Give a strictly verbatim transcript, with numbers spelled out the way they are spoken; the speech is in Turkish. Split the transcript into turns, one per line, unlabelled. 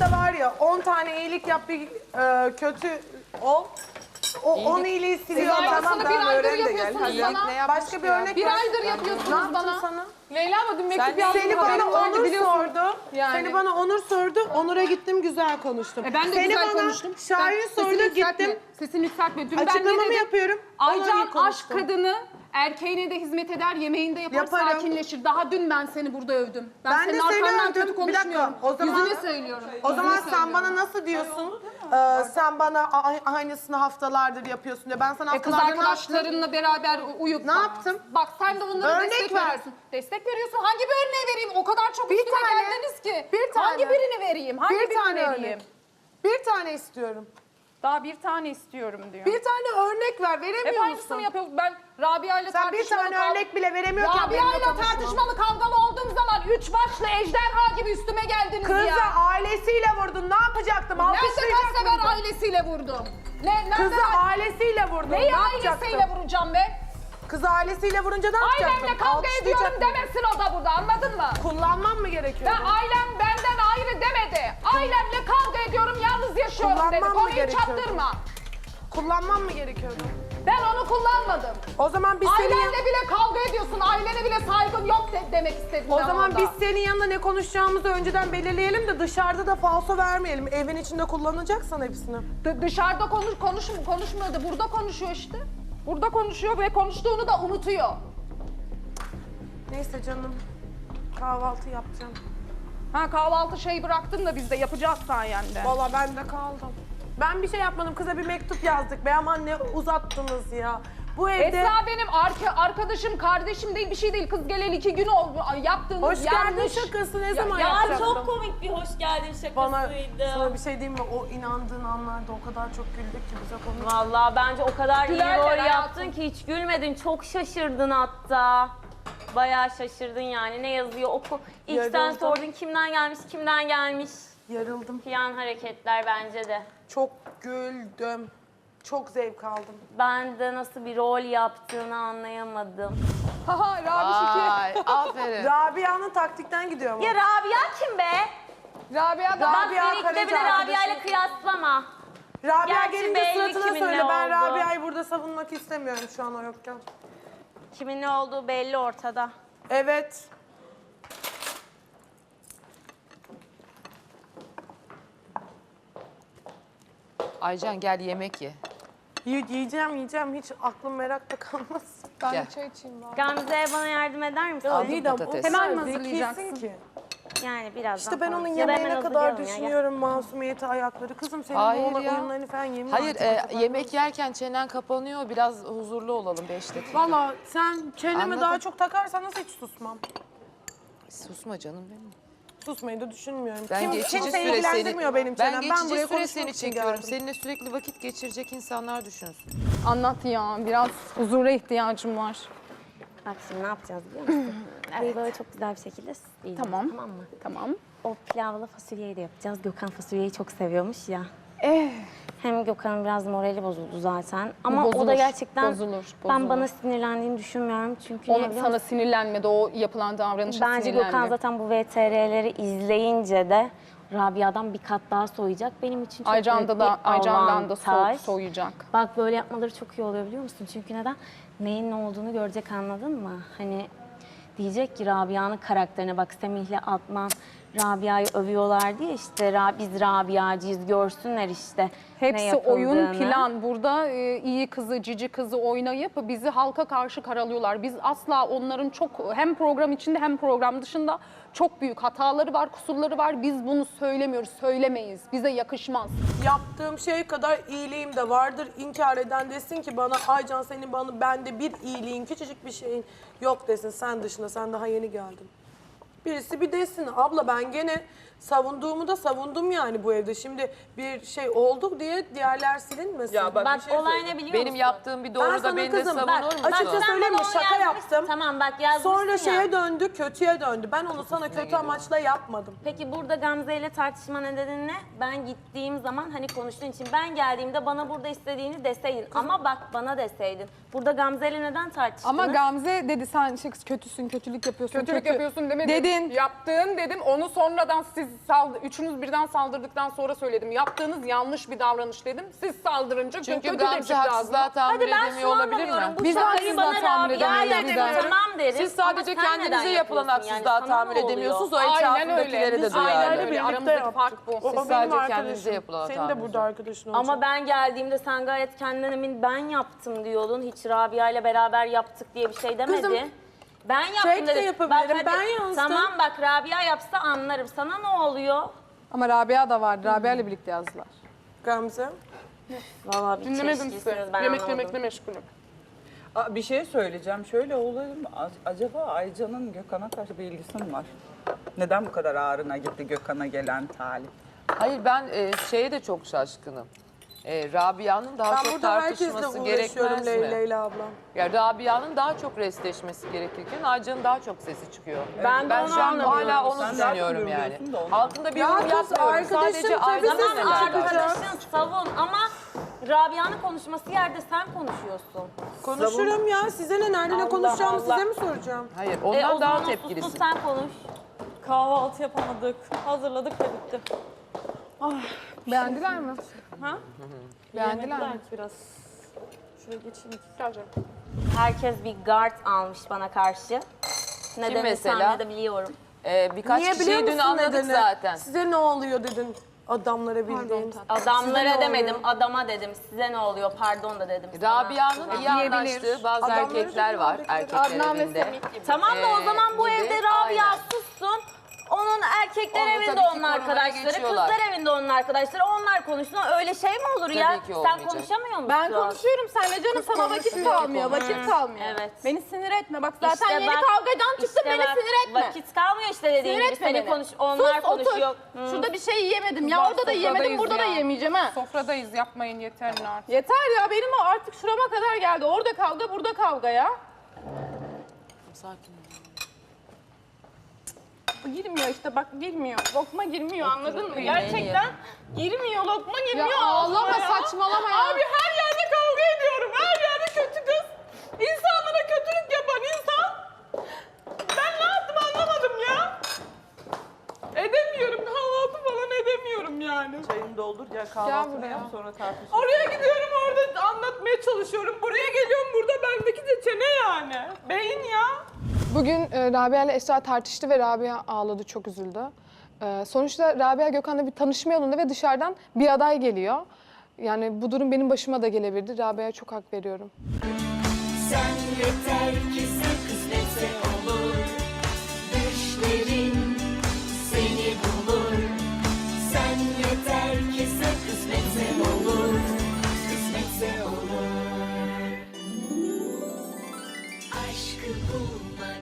işte var ya on tane iyilik yap bir e, kötü ol. O on iyiliği siliyor.
Siz
Tamam
aynısını bir
tamam
aydır
öğren de gel.
yapıyorsunuz
Hadi.
bana.
Başka bir örnek
Bir
ver.
aydır
Ne
yapıyorsunuz
yaptım
bana.
sana?
Leyla mı dün mektup yazdım.
Seni
haberim
bana
vardı,
Onur
biliyorsun.
sordu.
Yani.
Seni bana Onur sordu. Onur'a gittim güzel konuştum.
E ben de
Seni
güzel
bana
konuştum.
Şahin
Sen
sordu
sesini yükseltme,
gittim.
Sesini yükseltme. Dün ben ne
Açıklamamı
dedim?
yapıyorum. ona iyi
Aycan aşk
konuştum.
kadını erkeğine de hizmet eder, yemeğini de yapar,
Yaparım.
sakinleşir. Daha dün ben seni burada övdüm. Ben,
Ben de
senin
seni
arkandan
övdüm.
kötü
Bir dakika,
konuşmuyorum.
o zaman-
Yüzüne söylüyorum.
O
Yüzüne
zaman sen
söylüyorum.
bana nasıl diyorsun? Ee, sen bana a- aynısını haftalardır yapıyorsun diye. Ben sana
E kız
haftalardır ne yaptım?
arkadaşlarınla beraber uyup...
Ne yaptım?
Bak sen de onlara
Örnek
destek
ver.
veriyorsun. Destek veriyorsun. Hangi bir örneği vereyim? O kadar çok
Bir
üstüme
tane.
geldiniz ki.
Bir tane.
Hangi birini vereyim? Hangi
Bir
birini
tane
vereyim?
örnek. Bir tane istiyorum.
Daha bir tane istiyorum diyor.
Bir tane örnek ver.
Hep
Veremiyor
aynısını
musun?
yapıyor. Ben Rabia ile
Sen bir
tartışmalı
tane
kav-
örnek bile veremiyorken
Rabia
benimle
ile
konuşma.
tartışmalı kavgalı olduğum zaman üç başlı ejderha gibi üstüme geldiniz
Kızı
ya.
ailesiyle vurdun. Ne yapacaktım?
Nerede
Alkışlayacak
kaç sefer
mıydın?
ailesiyle vurdum? Ne, nerede
Kızı
ben-
ailesiyle vurdun.
Neyi
ne yapacaktım?
ailesiyle vuracağım be?
Kızı ailesiyle vurunca ne yapacaktım?
Ailemle kavga
Alkışlayacak
ediyorum
mıydın?
demesin o da burada, anladın mı?
Kullanmam mı gerekiyor?
Ben ailem benden ayrı demedi. Ailemle kavga ediyorum, yalnız yaşıyorum
Kullanmam
dedi.
mı
Konuyu
gerekiyordu?
çaptırma.
Kullanmam mı gerekiyordu?
Ben onu kullanmadım.
O zaman biz senin yan-
Ailenle bile kavga ediyorsun, ailene bile saygın yok de- demek istedim
O
ben
zaman
orada.
biz senin yanında ne konuşacağımızı önceden belirleyelim de dışarıda da falso vermeyelim. Evin içinde kullanacaksan hepsini.
D- dışarıda konuş, konuş, konuşmuyordu, burada konuşuyor işte. Burada konuşuyor ve konuştuğunu da unutuyor.
Neyse canım. Kahvaltı yapacağım.
Ha kahvaltı şeyi bıraktın da biz de yapacağız sayende.
Valla ben de kaldım. Ben bir şey yapmadım. Kıza bir mektup yazdık. Be aman ne uzattınız ya. Bu evde...
Esra benim arka, arkadaşım, kardeşim değil, bir şey değil. Kız geleli iki gün oldu. Ay, yaptığınız
Hoş geldin
yanlış.
şakası ne zaman
Ya
yapacaktım?
çok komik bir hoş geldin
Bana
şakasıydı.
sana bir şey diyeyim mi? O inandığın anlarda o kadar çok güldük ki bize konu.
Vallahi bence o kadar iyi
Gülerler
rol
hayatım.
yaptın ki hiç gülmedin. Çok şaşırdın hatta. Bayağı şaşırdın yani. Ne yazıyor oku. İlk sen
Yarıldım.
sordun kimden gelmiş, kimden gelmiş.
Yarıldım.
Piyan hareketler bence de.
Çok güldüm. Çok zevk aldım.
Ben de nasıl bir rol yaptığını anlayamadım.
Haha Rabiş iki.
Ay aferin.
Rabia'nın taktikten gidiyor ama.
Ya Rabia kim be?
Rabia da
Bak
Rabia
beni ikide
Karaca
bir de Rabia ile
arkadaşım.
kıyaslama.
Rabia
Gerçi
gelince
belli
suratına
kimin
söyle.
ne
Ben
oldu.
Rabia'yı burada savunmak istemiyorum şu an o yokken.
Kimin ne olduğu belli ortada.
Evet.
Aycan gel yemek ye.
Y- yiyeceğim yiyeceğim. Hiç aklım merakta kalmaz.
Ben
Gel.
bir çay içeyim bari.
Gamze bana yardım eder misin?
Aldım
Didem, o
patates.
kadar
Hemen mi
zekisin
hazırlayacaksın?
ki.
Yani birazdan
İşte ben
falan.
onun
Ya da hemen
yemeğine kadar
hazırlayalım ya, gel.
düşünüyorum masumiyeti ayakları. Kızım senin
Hayır
bu
ya.
oyunlarını falan yemin
Hayır
artık
e,
o kadar.
yemek yerken çenen kapanıyor. Biraz huzurlu olalım beş dakika.
Valla sen çenemi
Anladım.
daha çok takarsan nasıl hiç susmam.
Susma canım benim.
Susmayı da düşünmüyorum.
Ben
Kim,
geçici
kimse
süre
ilgilendirmiyor
seni,
benim
ben
çenem.
geçici
buraya
süre
konuşmak
seni
için
çekiyorum.
geldim.
Seninle sürekli vakit geçirecek insanlar düşünsün.
Anlat ya, biraz huzura ihtiyacım var.
Bak şimdi ne yapacağız biliyor musun? evet. Böyle çok güzel bir şekilde süsleyeceğiz,
Tamam.
Tamam mı?
Tamam.
O pilavlı fasulyeyi de yapacağız. Gökhan fasulyeyi çok seviyormuş ya.
Eh,
Hem Gökhan'ın biraz morali bozuldu zaten. Ama o
bozulur,
da gerçekten
bozulur, bozulur.
ben bana sinirlendiğini düşünmüyorum. Çünkü
Onu
ne biliyor
sana
musun?
sinirlenmedi, o yapılan davranışa
Bence
sinirlendi.
Gökhan zaten bu V T R'leri izleyince de Rabia'dan bir kat daha soyacak. Benim için çok
Aycan'da
büyük
da,
bir
Aycan'dan da so
avantaj.
soğuyacak.
Bak böyle yapmaları çok iyi oluyor biliyor musun? Çünkü neden? Neyin ne olduğunu görecek, anladın mı? Hani diyecek ki Rabia'nın karakterine bak, Semih'le Adnan Rabia'yı övüyorlar diye işte Ra- biz Rabia'cıyız, görsünler işte ne
Hepsi oyun,
yapıldığını.
plan. Burada e, iyi kızı, cici kızı oynayıp bizi halka karşı karalıyorlar. Biz asla onların çok hem program içinde hem program dışında çok büyük hataları var, kusurları var. Biz bunu söylemiyoruz, söylemeyiz. Bize yakışmaz.
Yaptığım şey kadar iyiliğim de vardır. İnkar eden desin ki bana Aycan senin bana bende bir iyiliğin, küçücük bir şeyin yok desin. Sen dışında, sen daha yeni geldin. Birisi bir desin. Abla ben gene savunduğumu da savundum yani bu evde. Şimdi bir şey oldu diye diğerler silinmesin.
Ya bak,
Bak
bir şey
olay
söyleyeyim.
ne biliyor
Benim
musun?
yaptığım bir
Ben
doğru
sana
da beni de
kızım,
savunur
bak,
musun?
açıkça
Sen
söyleyeyim
bana
mi?
onu
Şaka
yazmışsın.
yaptım.
Tamam bak yazmışsın
Sonra
ya.
şeye döndü, kötüye döndü. Ben onu sana kötü amaçla yapmadım.
Peki burada Gamze ile tartışma nedeni ne? Ben gittiğim zaman hani konuştuğun için ben geldiğimde bana burada istediğini deseydin. Ama bak bana deseydin. Burada Gamze ile neden tartıştınız?
Ama Gamze dedi sen şey, kötüsün, kötülük yapıyorsun.
Kötülük
kötü.
yapıyorsun demedim.
Dedin.
Yaptığın dedim, onu sonradan siz
saldı, üçünüz birden saldırdıktan sonra söyledim. Yaptığınız yanlış bir davranış dedim. Siz saldırınca
Çünkü
kötü
Gamze
tepki
haksızlığa
lazım.
tahammül
Hadi ben
edemiyor
şunu
olabilir
anlamıyorum.
mi?
Bu
Biz
şakayı
haksızlığa
bana
tahammül
Rabia
edemeyiz
yapıyor.
bizler.
Tamam derim.
Siz sadece
Ama sen neden
kendinize yapılan
yapıyorsun? Yani
haksızlığa
sana
tahammül
ne oluyor?
edemiyorsunuz. O
Aynen
etrafındakilere
öyle.
de
Biz
duyar.
aynen
Aynen
öyle.
birlikte
Aramızdaki
yaptık.
fark bu.
O, o
Siz
benim
sadece
arkadaşım.
kendinize yapılan
Senin de
tahammül.
burada arkadaşın olacak.
Ama ben geldiğimde sen gayet kendinden emin ben yaptım diyordun. Hiç Rabia ile beraber yaptık diye bir şey demedi.
Kızım,
ben yaptım
tek de
dedi.
yapabilirim,
hadi,
ben yazdım.
Tamam bak Rabia yapsa anlarım. Sana ne oluyor?
Ama Rabia da vardı. Rabia ile birlikte yazdılar.
Gamze.
Vallahi bir
Dinlemedim sizi.
çelişkisiniz, ben
Yemek
anlamadım.
yemekle meşgulüm.
Aa, bir şey söyleyeceğim. Şöyle olayım. Acaba Aycan'ın Gökhan'a karşı bir ilgisi mi var? Neden bu kadar ağrına gitti Gökhan'a gelen talip?
Hayır ben e, şeye de çok şaşkınım. E, Rabia'nın daha
Ben
çok
burada herkesle
tartışması
uğraşıyorum
gerekmez mi?
Leyla ile ablam.
Ya Rabia'nın daha çok restleşmesi gerekirken Aycan'ın daha çok sesi çıkıyor.
Ben de
ben
onu
şu an
anlamıyorum.
hala onu
Sen zaten
düşünüyorum yani.
görüyorsun da onu.
Altında bir
Ya
yorum
kız,
yapmıyorum.
arkadaşım
Sadece
tabii
Aycan'ın
siz
Tamam
neler
arkadaşın savun ama Rabia'nın konuşması yerde sen konuşuyorsun.
Konuşurum ya. Size ne? Nerede ne
Allah
konuşacağımı
Allah.
size mi soracağım?
Hayır
E,
ondan
o
daha
zaman
tepkilisin.
sus, sus, sen konuş.
Kahvaltı yapamadık. Hazırladık ve bitti.
Beğendiler mi?
Ha?
Beğendiler mi?
Yemediler ki biraz. Şuraya geçeyim.
Geleceğim.
Herkes bir guard almış bana karşı. Nedenini
mesela?
tahmin edebiliyorum.
Ee, birkaç
Niye biliyor
kişiyi dün
musun
anladık
nedeni?
zaten.
Size ne oluyor dedin adamlara bildiğin. Size
Adamlara
ne
demedim,
oluyor?
adama dedim. Size ne oluyor? Pardon da dedim sana.
Rabia'nın iyi
Diyebilir.
anlaştığı bazı
Adamları
erkekler var.
da
Erkekler
Adnan ve
evinde.
Semih gibi.
Tamam da o
Ee,
zaman bu
gibi,
evde Rabia
aynen.
sussun. Onun erkekler
Onu
evinde
tabii ki
onun
korumaya
arkadaşları,
geçiyorlar.
kızlar evinde onun arkadaşları. Onlar konuşsun. Öyle şey mi olur ya?
Tabii ki
Sen
olmayacak.
konuşamıyor musun?
Ben konuşuyorum seninle canım, sana vakit kalmıyor, vakit kalmıyor.
Evet.
Beni sinir etme, bak zaten
İşte
yeni
bak-
kavgadan çıktın,
işte
beni
bak,
sinir etme.
Vakit kalmıyor işte dediğin
Sinir
gibi.
etme
Seni
beni.
konuş, onlar
Sus,
konuşuyor.
otur. Şurada bir şey yiyemedim ya,
Bak,
orada da yiyemedim,
sofradayız
burada da
ya.
yemeyeceğim ha.
Sofradayız, yapmayın yeter artık.
Yeter ya, benim o artık şurama kadar geldi. Orada kavga, burada kavga ya.
Sakin ol.
Girmiyor işte, bak girmiyor. Lokma girmiyor, anladın mı?
yemeğini
Gerçekten girmiyor, lokma girmiyor.
Ya ağlama,
ağzıma ya.
saçmalama ya.
Abi her yerde kavga ediyorum, her yerde kötü kız. İnsanlara kötülük yapan insan. Ben ne yaptım anlamadım ya. Edemiyorum, kahvaltı falan edemiyorum yani.
Çayını doldur gel kahvaltını
buraya.
yap sonra tartışırız.
Oraya gidiyorum, orada anlatmaya çalışıyorum. Buraya geliyorum, burada bendeki de çene yani. Beyin ya.
Bugün e, Rabia ile Esra tartıştı ve Rabia ağladı, çok üzüldü. E, sonuçta Rabia Gökhan'la bir tanışma yolunda ve dışarıdan bir aday geliyor. Yani bu durum benim başıma da gelebilirdi. Rabia'ya çok hak veriyorum.
Sen yeter ki sen kısmetse olur. Düşlerin seni bulur. Sen yeter ki sen kısmetse olur. Kısmetse olur. Aşkı bulmak